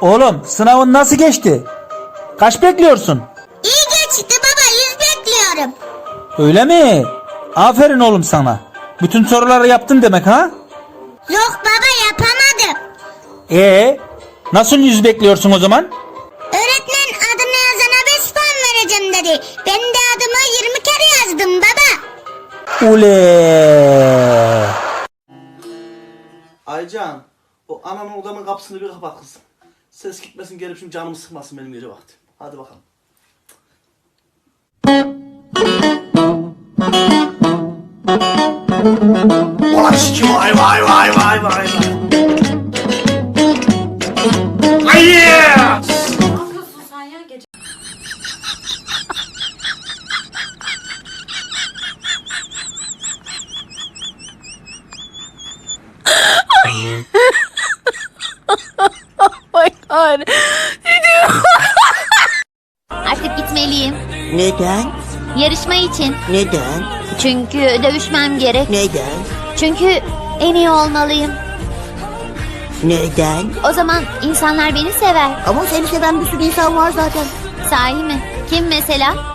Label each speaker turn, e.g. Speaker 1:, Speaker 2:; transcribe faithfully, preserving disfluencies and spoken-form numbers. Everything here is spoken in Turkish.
Speaker 1: Oğlum sınavın nasıl geçti? Kaç bekliyorsun?
Speaker 2: İyi geçti baba, yüz bekliyorum.
Speaker 1: Öyle mi? Aferin oğlum sana. Bütün soruları yaptın demek ha?
Speaker 2: Yok baba, yapamadım.
Speaker 1: Ee, nasıl yüz bekliyorsun o zaman?
Speaker 2: Öğretmen adını yazana beş puan vereceğim dedi. Ben de adımı yirmi kere yazdım baba.
Speaker 1: Ule.
Speaker 3: Aycan, o ananın odamın kapısını bir kapat kızım. Ses gitmesin, gelip şimdi canımı sıkmasın benim gece vakti. Hadi bakalım. Ulan şiki vay vay vay vay vay vay. Ay yeah!
Speaker 4: Ne yapıyorsun sen ya gece?
Speaker 5: my god.
Speaker 6: Artık gitmeliyim.
Speaker 7: Neden?
Speaker 6: Yarışma için.
Speaker 7: Neden?
Speaker 6: Çünkü dövüşmem gerek.
Speaker 7: Neden?
Speaker 6: Çünkü en iyi olmalıyım.
Speaker 7: Neden?
Speaker 6: O zaman insanlar beni sever.
Speaker 7: Ama seni seven bir sürü insan var zaten.
Speaker 6: Sahi mi? Kim mesela?